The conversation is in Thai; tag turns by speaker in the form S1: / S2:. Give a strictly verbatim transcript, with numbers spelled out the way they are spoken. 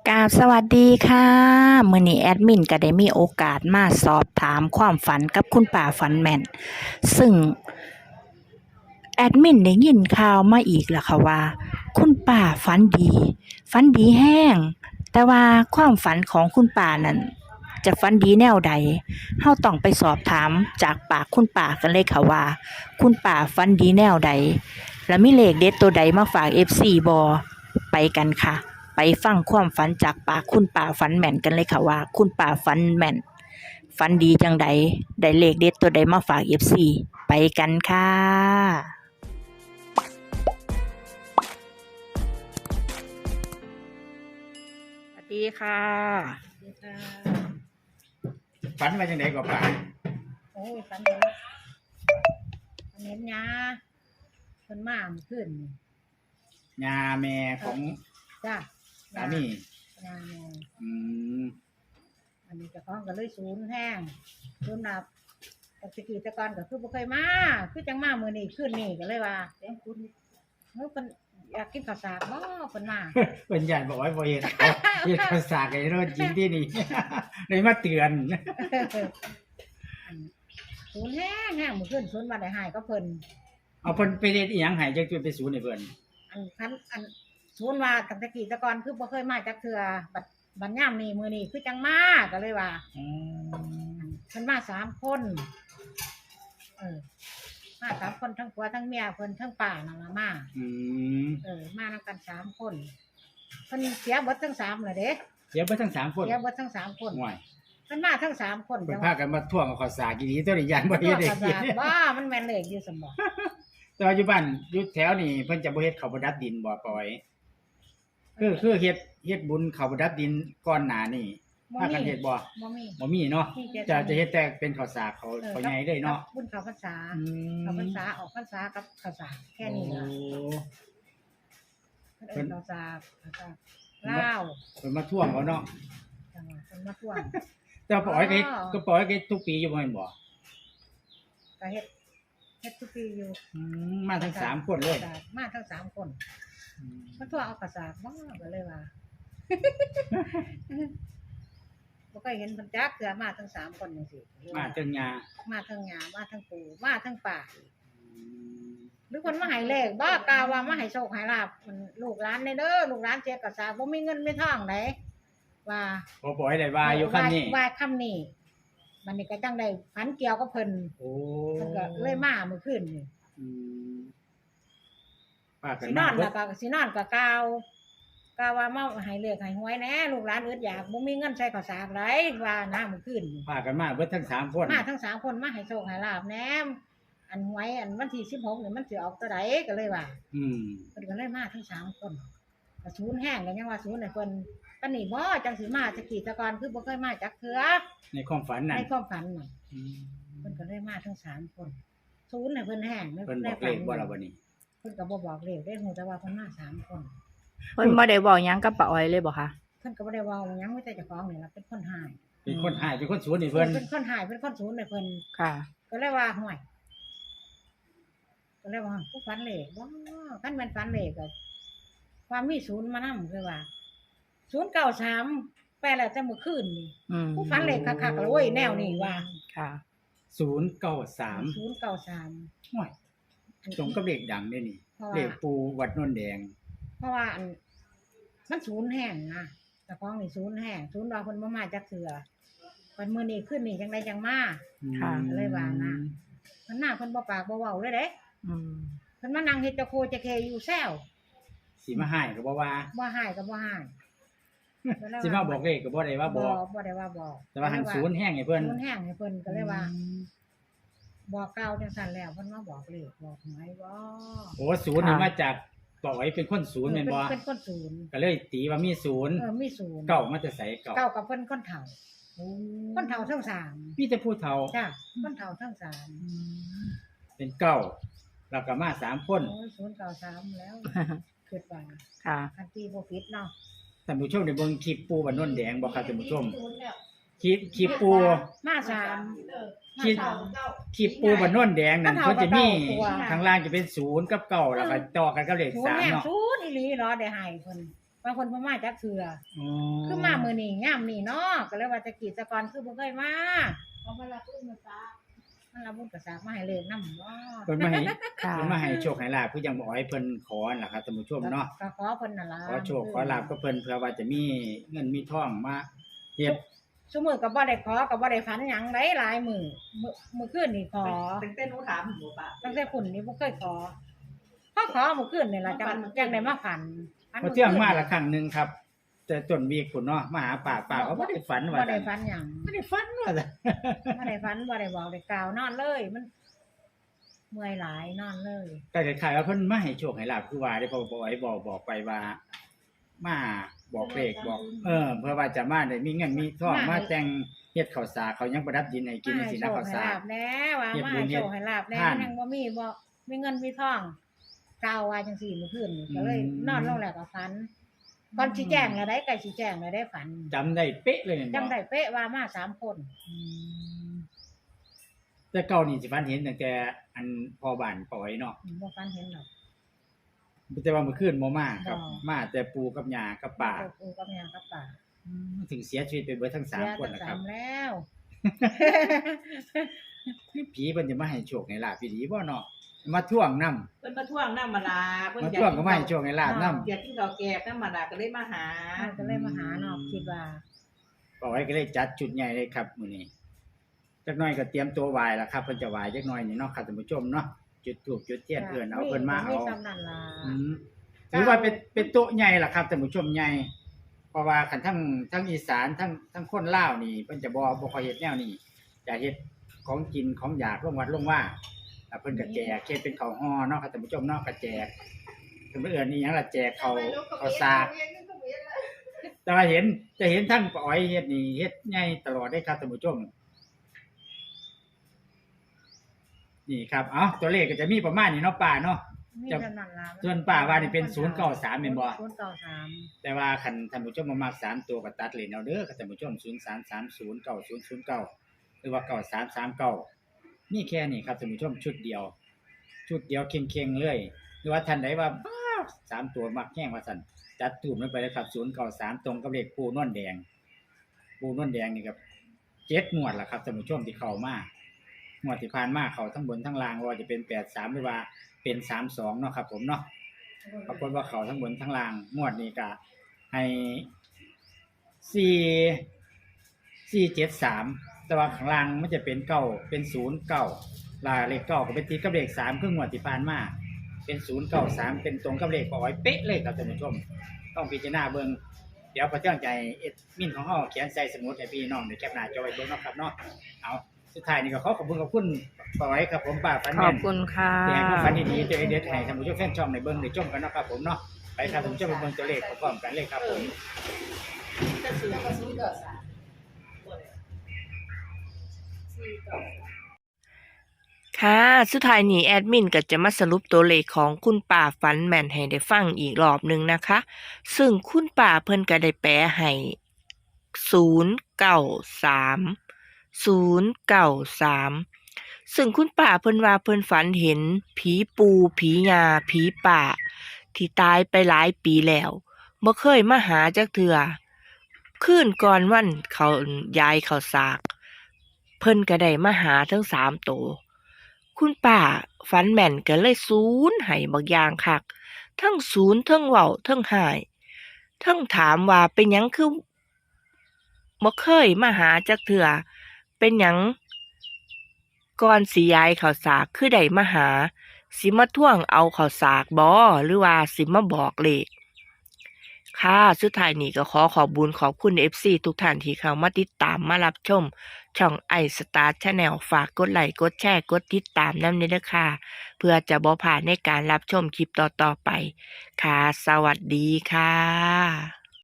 S1: กราบสวัสดีค่ะมื้อนี้แอดมินก็ได้มีโอกาสมาสอบถามความฝันกับคุณป่าฝันแม่นซึ่งแอดมินได้ยินข่าวมาอีกแล้วค่ะว่าคุณป่าฝันดีฝันดีแห้งแต่ว่าความฝันของคุณป่านั้นจะฝันดีแนวใดเฮาต้องไปสอบถามจากปากคุณป่ากันเลยค่ะว่าคุณป่าฝันดีแนวใดและมีเลขเด็ดตัวใดมาฝาก เอฟ ซี บ่ไปกันค่ะไปฟังความฝันจากปากคุณป่าฝันแม่นกันเลยค่ะว่าคุณป่าฝันแม่นฝันดีจังใดได้เลขเด็ดตัวใดมาฝาก เอฟ ซี ไปกันค่ะสวัสดีค่ะ
S2: ฝันมาจังไดก็ป่า
S3: โอ้ยฝันเห็นฝันเห็นยาเพิ่นมาเมื่อคืนนี่
S2: ยาแม่ของ
S3: จ้า
S2: สามี
S3: ยาแม่
S2: อืม
S3: อันนี้เจ้าของก็เลยศูนย์แห้งศูนย์นับแต่ตะกี้แต่ก่อนก็คือบ่เคยมาคือจังมามื้อนี้คืนนี้ก็เลยว่าเดี๋ยวคุณเฮ้ยเพิ่นอยากกินข้าวสากบ่เพิ่นมา
S2: เพิ่นญาติบอกว่าบ่เฮ็ดเอาเฮ็ดภาษาไอ้โรดจริงที่นี่ เลยมาเตือน
S3: ศูนย์แห้งแห้งมื้อคืนศูนย์ว่าได้หายก็เพิ่น
S2: เอาเพิ่นไปเฮ็ดอีหยังให้จักจุดไปศูนย์ให้เพิ่น
S3: อันคันอันศูนย์ว่าตั้งแต่กี้แต่ก่อนคือบ่เคยมาจักเทื่อบัดบัดยามนี้มื้อนี้คือจังมาก็เลยว่า
S2: อืม
S3: เพิ่นมาสามคน เออ มาสามคนทั้งผัวทั้งเมียเพิ่นทั้งป่านั่นล่ะมา
S2: อืม
S3: เออ มานำกันสามคนเพิ่นเสียเบิดทั้งสามเลยเด้
S2: เดี๋ยวเบิดทั้งสามคน
S3: เสียเบิดทั้งสามคน
S2: ห่วย
S3: เพิ่นมาทั้งสามคน
S2: เพิ่นพากันมาท่วงเอาข้าวสารอีหลีตัวนี้ญาติบ่
S3: เฮ็
S2: เฮ็
S3: ด
S2: ด
S3: ได้
S2: ให้กิน
S3: ว่ามันแม่นเลขอยู่ซั่นบ่
S2: แต่ว่าอยู่บ้านอยู่แถวนี้เพิ่นจะบ่เฮ็ดข้าวประดับดินบ่ปล่อยคือคือเฮ็ดเฮ็ดบุญข้าวประดับดินก่อนหน้านี้
S3: บ่
S2: พากัน
S3: มี
S2: เฮ็ดบ่
S3: บ่มี
S2: บ่มีเนาะ
S3: มีแต่
S2: จะจะเฮ็ดแต่เป็นข้าวสากเขา
S3: ออ
S2: เขาใหญ่เลยเนาะ
S3: บุญเข้าพรรษา
S2: อืม
S3: เข้าพรรษาออกพรรษากับข้าวสารแค่นี้ล่ะ
S2: โอ้
S3: เพิ่นเอิ้นข้าวสารข้าวสารลาว
S2: เพิ่นมาท่วงเขาเนาะ
S3: จังหวัดเพิ่นมาท่วง
S2: แต่ปล่อยก็เฮ็ด
S3: อ๋อ
S2: ก็ปล่อยก็เฮ็ดทุกปีอยู่บ่แม่นบ่
S3: ก็เฮ็ดเฮ็ดทุกปีอยู่
S2: อืมมาทั้งสามคนเลย
S3: มาทั้งสามคน
S2: อืม
S3: มันตัวเอากระสากบ้าก็เลยว่า บ่เคยเห็นเพิ่นจักเทื่อมาทั้งสามคนจังซี่
S2: มาจังยา
S3: มาทั้งหญ้ามาทั้งปู่มาทั้งป่า
S2: อืม
S3: หรือคนมาให้เลขบ่กล่าวว่ามาให้โชคให้ลาภมันลูกหลานในเด้อลูกหลานเสียกระสากบ่มีเงินมีทองไดว่า
S2: บ่ปล่อยได้ว่าอยู่คั่นนี้
S3: ว่าคำนี้มันนี่ก็จังได้ฝันเกี่ยวกับเพิ่น
S2: โอ้
S3: เพิ่นก็เลยมาเมื่อคืนนี่
S2: อืมป้ากัน
S3: สิน
S2: มา
S3: อน
S2: เบิ
S3: แล้
S2: ด
S3: วก็สินอนก็กล่าวกล่าวว่ามาให้เลขให้หวยแหน่ลูกหลานอึดอยากบ่มีเงินใช้ข้าวสากไดว่านะเมื่อคืนนี่
S2: ป้ากันมาเบิดทั้งสามคน
S3: มาทั้งสามคนมาให้โชคให้ลาภแหนมอันหวยอันวันที่สิบหกนี่มันสิออกตัวใดก็เลยว่า
S2: อืม
S3: เพิ่นก็เลยมาทั้งสามคนก็ศูนย์แห้งก็ยังว่าศูนย์ให้เพิ่นปานนี้บ่จังสิมาจักกี่แตะกอนคือบ่เคยมาจักเทื่อ
S2: ในความฝันนั่น
S3: ในความฝันน่ะ
S2: อืม
S3: เพิ่นก็เลยมาทั้งสามคนศูนย์ให้เพิ่นแห้ง
S2: เพิ่นบอกเลขบ่ล่ะบัดนี้
S3: เพิ่นก็บ่บอกเลขได้ฮู้แต่ว่าเพิ่นมาสามคน
S1: เพิ่นบ่ได้บอกหยังกับป้าอ้อยเลยบ่คะ
S3: เพิ่นก็บ่ได้เว้าหยังมีแต่เจ้าของนี่ล่ะเป็นคนหาย
S2: เป็นคนหายเป็นคนสวนนี่เพิ่น
S3: เป็นคนหายเป็นคนศูนย์ให้เพิ่น
S1: ค่ะ
S3: ก็เลยว่าห่วยก็เลยว่าผู้ฝันเลขว้าคันแม่นฝันเลขก็ความมีศูนย์มานำคือว่าศูนย์เก้าสามแปลแล้วแต่เมื่อคืนนี่
S1: อืม
S3: ผู้ฝันเลขคักๆแล้วเว้ยแนวนี้ว่า
S1: ค่ะ
S2: ศูนย์เก้าสาม
S3: ศูนย์เก้าสาม
S2: ห่วยตรงกับเลขดังเด้นี่
S3: เพราะ
S2: เล
S3: ว่า
S2: ขปูวัดโนนแดง
S3: เพราะว่าอันมันศูนย์แห้งนะแต่ของนี่ศูนย์แห้งศูนย์ว่าเพิ่นบ่มาจักเทื่อวันมื้อนี้ขึ้นนี่จังไดจังมา
S1: ค่ะ
S3: เลยว่านะ เพิ่นมาเพิ่นบ่ปากบ่เว้าเลยเด้
S1: อืม
S3: เพิ่นมานั่งเฮ็ดเจ้าโคเจะเคอยู่แซว
S2: สิมาให้ก็บ่ว่า
S3: บ่หายก็บ่หาย
S2: สิมาบอกเลขก็บ่ได้ว่าบอก
S3: บ่ได้ว่าบอก
S2: แต่ว่าหันศูนย์แห้งให้เพิ่น
S3: ศูนย์แห้งให้เพิ่นก็เลยว่า บอกกล่าวจังซั่นแล้วเพิ่นมาบอกเลขบอกหวยบ่
S2: โอ้ศูนย์นี่มาจากปล่อยเป็นคนศูนย์แม่นบ่
S3: เป็นคนศูนย์
S2: ก็เลยตีว่ามีศูนย์
S3: เออมีศูนย์
S2: เก่ามาแต่ไสเก่า
S3: เก้ากับเพิ่นคนเฒ่าคนเฒ่าทั้งสาม
S2: มีแต่ผู้เฒ่า
S3: จ้ะคนเฒ่าทั้งสาม
S2: เป็นเก้าแล้วก็มาสามคน
S3: โอ้ยศูนย์เก้าสามแล้วคิดว่า
S1: ค่ะ
S3: คันตีบ่ผิดเนาะ
S2: ท่านผู้ชมได้เบิ่งคลิปปูบ้านโนนแดงบ่ครับท่านผู้ชมคลิปคลิปปู
S3: มาสาม
S2: คลิป
S3: มาสาม
S2: คลิปปูบ้านโนนแดงนั่น
S3: มัน
S2: เพิ่
S3: เท่าน กับ
S2: จะมี
S3: เก้าตัว
S2: ข้างล่างจะเป็นศูนย์กับเก้าแล้วก็ต่อกันกับเลข
S3: ศูน
S2: สา
S3: ย์
S2: ม
S3: แห่ง
S2: เนาะ
S3: ศูนย์อีหลีเนาะได้ให้เพิ่นบางคนบ่มาจักเทื่อ
S2: อ๋อ
S3: คือมามื้อนี้ยามนี้เนาะก็เลยว่าจะกีดแตะกอนคือบ่เคยมาเอามารับบุญมาซามันรับบุญก็สากมาให้เลขนำบ่
S2: เพิ่นมาให้
S1: ค่ะ
S2: เพิ่นมาให้โชคให้ลาภคือจังบอกให้เพิ่นขอนั่นล่ะครับท่านผู้ชมเนาะ
S3: ก็ขอเพิ่นนั่นล่ะ
S2: ขอโชคขอลาภก็เพิ่นเพื่อว่าจะมีเงินมีทองมาเฮ็ด
S3: ซุมื้อก็บ่ได้ขอก็บ่ได้ฝันหยังได้หลายมื้อมื้อมื้อคืนนี่ขอ
S4: ตั้งแต่หนูถามหนูป่ะ
S3: ตั้งแต่คุณนี่บ่เคยขอพอขอมื้อคืนนี่ล่ะจังจังได้มาฝันฝัน
S2: พอเที่ยงมาละครั้งหนึงครับ แต่ต้นวีคพุ่นเนาะมาหาป้าป้าก็บ่ได้ฝันว่า
S3: บ่ได้
S2: ซั่น
S3: ฝันหยัง
S2: บ่ได้ฝันว่าซั่น
S3: บ่ได้ฝันบ่ได้บอกได้กล่าวนอนเลย มันเมื่อยหลายนอนเลย
S2: ก็คล้ายๆว่าเพิ่นมาให้โชคให้ลาภคือว่าได้พอบ่ไอ้บอกบอกไปว่า มาบอกเลขบอก เออ เพื่อว่าจะมาได้มีเงินมีทองมาแต่งเฮ็ดข้าวสารเขายังประดับดินให้กินจังซี่นะข้าวสาร
S3: ให้โชคให้ลาบแน่ว่า
S2: เฮ็ด
S3: มา
S2: บุญ
S3: ให้
S2: เฮ็
S3: โช
S2: ด
S3: คให้ลาบแน่
S2: ทาน
S3: ยังบ่มีบ่มีเงินมีทองกล่าวว่าจังซี่มื้อคืนนี่ก็เลย
S2: อืม
S3: นอนลงแล้วก็ฝันก่อนสิแจ้งแล้วได้ใกล้สิแจ้งแล้วได้ฝัน
S2: จำได้เป๊ะเลยแม่นบ่
S3: จำได้เป๊ะว่ามาสามคน
S2: แต่เก่านี่สิฝันเห็นตั้งแต่อันพ่อบ้านปอยเนาะ
S3: บ่ฝันเห็นหรอก
S2: แต่ว่าเมื่อคืนบ่มาครับ
S3: บ่
S2: มาแต่ปู่กับย่ากับป้า
S3: ปู่กับย่ากับป้า
S2: ถึงเสียชีวิตไปเบิดทั้งสาม
S3: เสีย
S2: คน
S3: ทั้ง
S2: นะค
S3: สา
S2: รับ
S3: มแล้ว
S2: ผีเพิ่นจะมาให้โชคให้ลาภพี่ดีบ่เนาะมาท่วงนำ
S4: เพิ่นมาท่วงน้ำมาลาเพิ่น
S2: มา
S4: อยาก
S2: ท่วงก็มาให้โชคให้ลาภนำ
S4: อยากกินข้าวแกงน้ำมาลาก็เลยมาหา
S3: ก็เลยมาหาเนาะคิดว่า
S2: ปอยก็เลยจัดจุดใหญ่เลยครับมื้อนี้จักหน่อยก็เตรียมตัวไหว้แล้วครับเพิ่นจะไหว้จักหน่อยนี่เนาะครับท่านผู้ชมเนาะจุดธูปจุดเทียนเอิ้นเอาเพิ่นมาเอา
S3: ซ้ำนั่นล่ะ
S2: อืมถือว่าเป็นเป็นโต๊ะใหญ่ล่ะครับท่านผู้ชมใหญ่เพราะว่าคันทั้งทั้งอีสานทั้งทั้งคนลาวนี่เพิ่นจะบ่บ่ค่อยเฮ็ดแนวนี้จะเฮ็ดของกินของอยากลงวัดลงว่าแล้วเพิ่นก็แจกเฮ็ดเป็นข้าวห่อเนาะครับท่านผู้ชมเนาะก็แจกเพิ่นเอิ้นอีหยังล่ะแจกข้าวข้าวสากแต่ว่าเห็นจะเห็นทั้งป้าอ้อยเฮ็ดนี่เฮ็ดใหญ่ตลอดได้ครับท่านผู้ชมนี่ครับเอ้าตัวเลขก็จะมีประมาณนี้เนาะป้าเนาะ
S3: มี
S2: จะ
S3: ซ้ำนั่นล่ะ
S2: ส่วนป้าว่านี่เป็นศูนย์เก้าสามแม่นบ่
S3: ศูนย์เก้าสาม
S2: แต่ว่าคันท่านผู้ชมมามักสามตัวก็ตัดเลนเอาเด้อค่ะท่านผู้ชมศูนย์สามสามศูนย์ เก้าศูนย์ศูนย์เก้าหรือว่าเก้าสามสามเก้านี่แค่นี้ครับท่านผู้ชมชุดเดียว ชุดเดียวเค็งๆเลยหรือว่าท่านใดว่าบ้าสามตัวมักแห้งว่าซั่นจัดตูมลงไปเลยครับศูนย์เก้าสามตรงกับเลขปูนวลแดง ปูนวลแดงนี่ครับเจ็ดงวดล่ะครับท่านผู้ชมที่เข้ามางวดที่ผ่านมาเข้าทั้งบนทั้งล่างว่าจะเป็นแปดสามหรือว่าเป็นสามสองเนาะครับผมเนาะ ปรากฏว่าเขาทั้งบนทั้งล่างงวดนี้ก็ให้สี่สี่เจ็ดสามแต่ว่าข้างล่างมันจะเป็นเก้าเป็นศูนย์เก้าลาเลขเก้าก็เป็นตีกับเลขสามครึ่งงวดที่ผ่านมาเป็นศูนย์เก้าสามเป็นตรงกับเลขปอยเป๊ะเลยครับท่านผู้ชม ต้องพิจารณาเบิ่งเดี๋ยวพระเจ้าใจเอ็ดมินของเฮาเขียนใส่สมุดให้พี่น้องได้แคปหน้าจอไว้เบิ่งเนาะครับเนาะเอาสุดท้ายนี่ก็ขอขอบคุณขอบคุณปอยครับผมป้าฟัน
S1: ข
S2: แม่
S1: อบ
S2: น
S1: คุณค่ะ
S2: ที่ให้ความฝันดีๆตัวเด็ดๆให้ท่านผู้ชมแฟนช่องในเบิ่งได้ชมกันเนาะครับผมเนาะไปครับท่านผู้ชมไปเบิ่งตัวเลขพร้อมๆกันเลยครับผม
S4: จะซื้อก็ซื้อก็สา
S1: ค่ะ สุดท้ายนี้แอดมินก็จะมาสรุปตัวเลขของคุณป่าฝันแม่นให้ได้ฟังอีกรอบหนึ่งนะคะ ซึ่งคุณป่าเพิ่นก็ได้แปลให้ศูนย์เก้าสามศูนย์เก้าสามซึ่งคุณป่าเพิ่นว่าเพิ่นฝันเห็นผีปูผียาผีป่าที่ตายไปหลายปีแล้วบ่เคยมาหาจักเทื่อคืนก่อนวันเขาย้ายเขาสาก เพิ่นก็ได้มาหาทั้งสามโตวคุณป้าฝันแม่นก็เลยศูนย์ให้บักอย่างคักทั้งศูนย์ทั้งเว้าทั้งหายทั้งถามว่าเป็นหยังคือบ่เคยมาหาจักเทื่อเป็นหยังก่อนสิย้ายข้าวสากคือได้มาหาสิมาท่วงเอาข้าวสากบ่หรือว่าสิมาบอกเลขค่ะสุดท้ายนี้ก็ขอขอบบุญขอบคุณ เอฟ ซี ทุกท่านที่เข้ามาติดตามมารับชมช่อง iStar Channel ฝากกดไลค์กดแชร์กดติดตามนำด้วยเด้อค่ะเพื่อจะบ่พลาดในการรับชมคลิปต่อๆไปค่ะสวัสดีค่ะ